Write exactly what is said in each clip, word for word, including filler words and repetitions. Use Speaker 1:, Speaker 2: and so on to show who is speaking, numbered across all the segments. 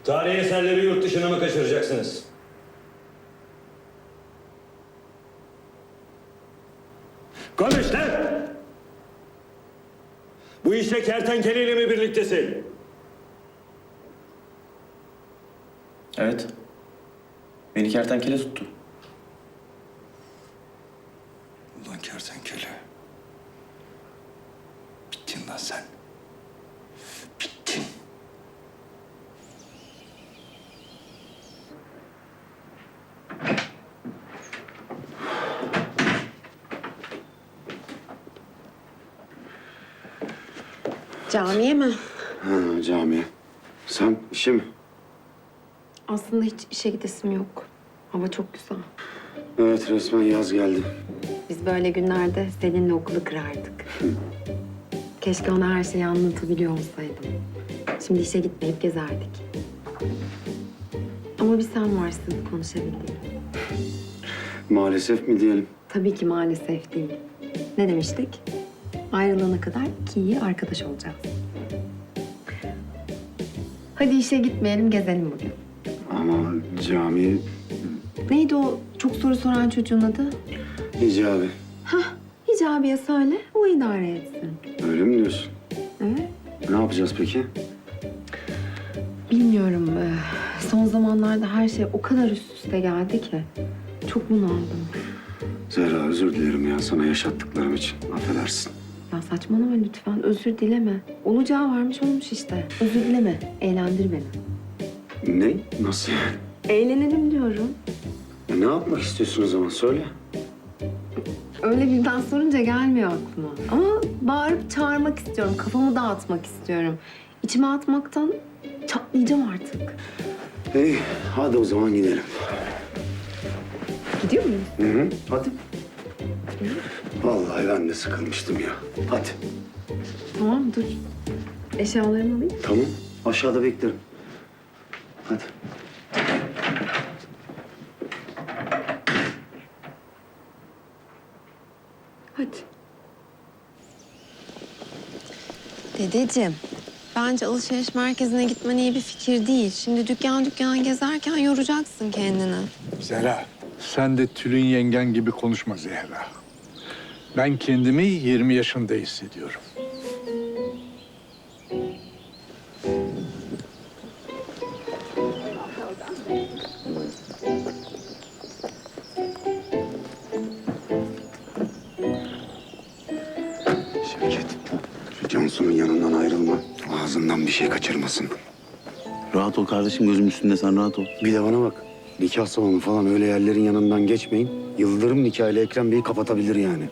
Speaker 1: Tarihi eserleri yurt dışına mı kaçıracaksınız? Konuş lan! Bu işte kertenkeleyle mi birliktesin?
Speaker 2: Evet. Beni kertenkele tuttu.
Speaker 3: Ulan kertenkele. Bittin lan sen. Bittin.
Speaker 4: Camiye mi?
Speaker 3: Ha, camiye. Sen işe mi?
Speaker 4: Aslında hiç işe gidesim yok. Hava çok güzel.
Speaker 3: Evet, resmen yaz geldi.
Speaker 4: Biz böyle günlerde seninle okulu kırardık. Keşke ona her şeyi anlatabiliyor olsaydım. Şimdi işe gitmeyip gezerdik. Ama bir sen varsın konuşabildiğim.
Speaker 3: Maalesef mi diyelim?
Speaker 4: Tabii ki maalesef değil. Ne demiştik? Ayrılana kadar iki iyi arkadaş olacağız. Hadi işe gitmeyelim, gezelim bugün.
Speaker 3: Ama cami
Speaker 4: Neydi o çok soru soran çocuğun adı?
Speaker 3: icabı.
Speaker 4: Hah, Hicabi'ye söyle, o idare etsin.
Speaker 3: Öyle mi diyorsun?
Speaker 4: Evet.
Speaker 3: Ne yapacağız peki?
Speaker 4: Bilmiyorum. ee, Son zamanlarda her şey o kadar üst üste geldi ki. Çok bunaldım.
Speaker 3: Zehra, özür dilerim ya sana yaşattıklarım için. Affedersin.
Speaker 4: Ya saçmalama lütfen. Özür dileme. Olacağı varmış olmuş işte. Özür dileme. Eğlendir beni.
Speaker 3: Ne? Nasıl yani?
Speaker 4: Eğlenelim diyorum.
Speaker 3: Ya ne yapmak istiyorsun o zaman? Söyle.
Speaker 4: Öyle birden sorunca gelmiyor aklıma. Ama bağırıp çağırmak istiyorum. Kafamı dağıtmak istiyorum. İçime atmaktan çatlayacağım artık.
Speaker 3: İyi, hadi o zaman gidelim.
Speaker 4: Gidiyor muyuz?
Speaker 3: Hı hı, hadi. Vallahi ben de sıkılmıştım ya. Hadi.
Speaker 4: Tamam dur. Eşyalarımı alayım.
Speaker 3: Tamam, aşağıda beklerim. Hadi.
Speaker 4: Hadi. Dedeciğim, bence alışveriş merkezine gitmen iyi bir fikir değil. Şimdi dükkan dükkan gezerken yoracaksın kendini.
Speaker 5: Zehra, sen de Tülin yengen gibi konuşma Zehra. Ben kendimi yirmi yaşında hissediyorum.
Speaker 3: Şevket, şu Cansu'nun yanından ayrılma. Ağzından bir şey kaçırmasın.
Speaker 2: Rahat ol kardeşim, gözüm üstünde, sen rahat ol.
Speaker 3: Bir de bana bak. Nikah salonu falan öyle yerlerin yanından geçmeyin. Yıldırım nikahıyla Ekrem Bey'i kapatabilir yani.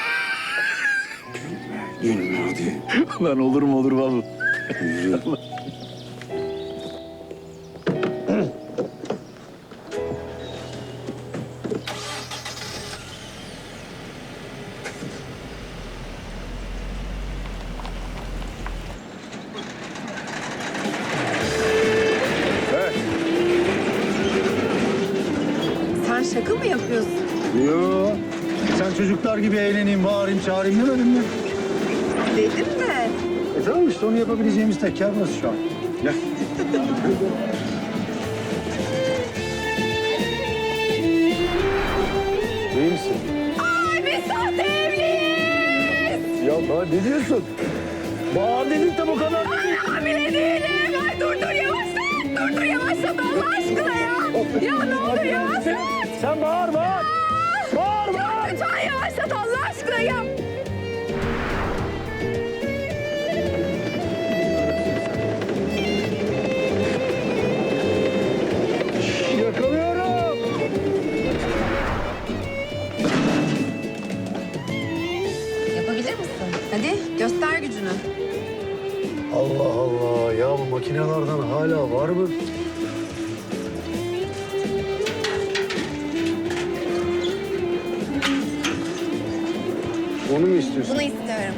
Speaker 3: Gülme, gülme hadi.
Speaker 2: Lan olur mu olur vallahi.
Speaker 3: Yürü.
Speaker 4: Sen şaka mı yapıyorsun?
Speaker 6: Yo, sen çocuklar gibi eğleneyim, bağırayım, çağırayım demedim mi?
Speaker 4: Dedim de.
Speaker 6: E tamam işte onu yapabileceğimiz tek yer burası şu an. Gel. İyi misin?
Speaker 4: Ay biz sahte evliyiz.
Speaker 6: Ya Bahar ne diyorsun? Bahar dedik de bu kadar.
Speaker 4: Ay hamile değilim. Ay dur dur yavaşlat. Dur dur yavaşlat Allah aşkına ya. Ya ne olur yavaşlat.
Speaker 6: Sen bağır, bağır. Bağır, bağır.
Speaker 4: Lütfen yavaşlat Allah aşkına ya.
Speaker 6: Yakalıyorum.
Speaker 4: Yapabilir misin? Hadi göster gücünü.
Speaker 6: Allah Allah, ya bu makinelerden hala var mı?
Speaker 3: Onu mu istiyorsun?
Speaker 4: Bunu istiyorum.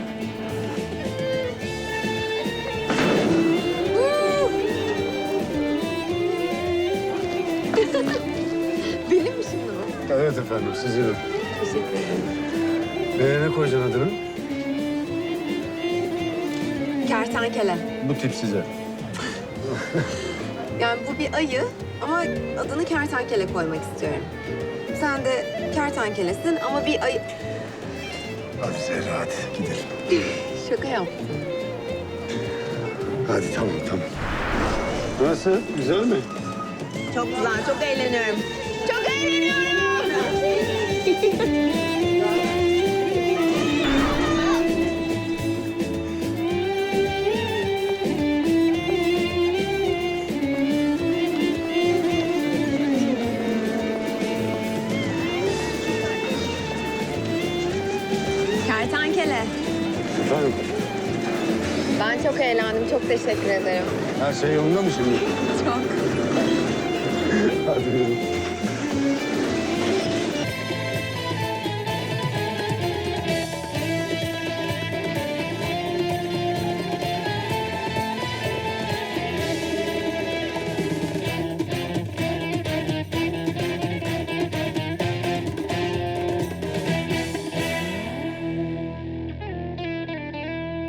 Speaker 4: Benim mi şimdi bu?
Speaker 6: Evet efendim, sizin.
Speaker 4: Teşekkür ederim.
Speaker 6: Ee, ne koyacaksın adını?
Speaker 4: Kertenkele.
Speaker 6: Bu tip size.
Speaker 4: Yani bu bir ayı ama adını kertenkele koymak istiyorum. Sen de kertenkelesin ama bir ayı...
Speaker 6: Hadi Zehra hadi gidelim.
Speaker 4: Şaka yaptım.
Speaker 6: Hadi tamam tamam. Nasıl? Güzel mi?
Speaker 4: Çok güzel, çok eğleniyorum. Çok eğleniyorum. Kertenkele.
Speaker 6: Efendim?
Speaker 4: Ben çok eğlendim. Çok teşekkür ederim.
Speaker 6: Her şey yolunda mı şimdi?
Speaker 4: Çok.
Speaker 6: Hadi yürü.